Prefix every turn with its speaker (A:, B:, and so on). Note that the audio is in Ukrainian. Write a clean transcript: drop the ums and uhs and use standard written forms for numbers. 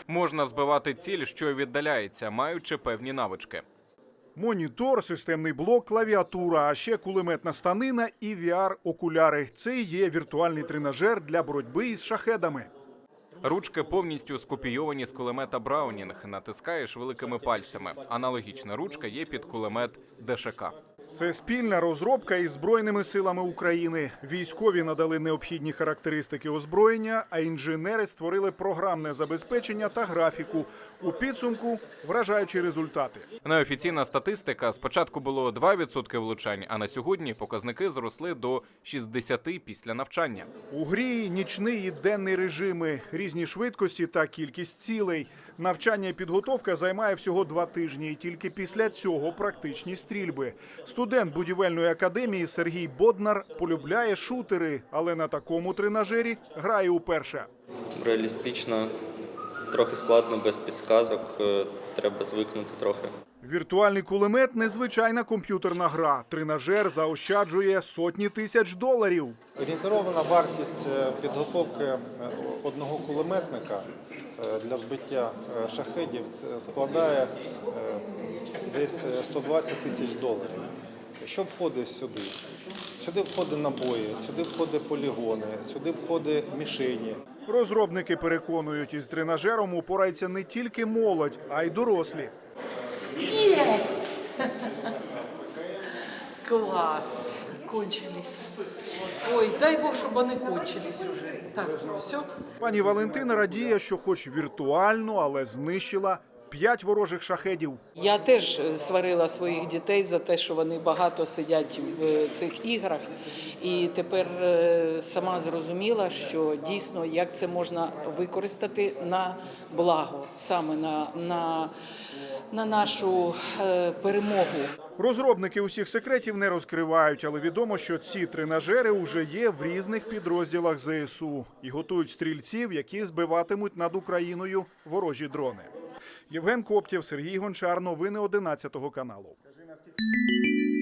A: Можна збивати ціль, що віддаляється, маючи певні навички.
B: Монітор, системний блок, клавіатура, а ще кулеметна станина і VR-окуляри. Це і є віртуальний тренажер для боротьби із шахедами.
A: Ручки повністю скопійовані з кулемета Браунінг. Натискаєш великими пальцями. Аналогічна ручка є під кулемет ДШК.
B: Це спільна розробка із Збройними силами України. Військові надали необхідні характеристики озброєння, а інженери створили програмне забезпечення та графіку. У підсумку – вражаючі результати.
A: Неофіційна статистика: спочатку було 2% влучань, а на сьогодні показники зросли до 60% після навчання.
B: У грі нічний і денний режими, різні швидкості та кількість цілей. Навчання і підготовка займає всього 2 тижні, і тільки після цього практичні стрільби. Студент будівельної академії Сергій Боднар полюбляє шутери, але на такому тренажері грає уперше.
C: Реалістично, трохи складно, без підсказок, треба звикнути трохи.
B: Віртуальний кулемет – незвичайна комп'ютерна гра. Тренажер заощаджує сотні тисяч доларів.
D: Орієнтирована вартість підготовки одного кулеметника для збиття шахедів складає десь 120 тисяч доларів. Що входить сюди? Сюди входить набої, сюди входить полігони, сюди входить мішені.
B: Розробники переконують, із тренажером упорається не тільки молодь, а й дорослі.
E: Есть! Класс! Кончились. Ой, дай Бог, чтобы они кончились уже. Так, все?
B: Пані Валентина радіє, що хоч віртуально, але знищила 5 ворожих шахедів.
E: Я теж сварила своїх дітей за те, що вони багато сидять в цих іграх. І тепер сама зрозуміла, що дійсно, як це можна використати на благо, саме на нашу перемогу.
B: Розробники усіх секретів не розкривають, але відомо, що ці тренажери вже є в різних підрозділах ЗСУ і готують стрільців, які збиватимуть над Україною ворожі дрони. Євген Коптєв, Сергій Гончар. Новини 11 каналу.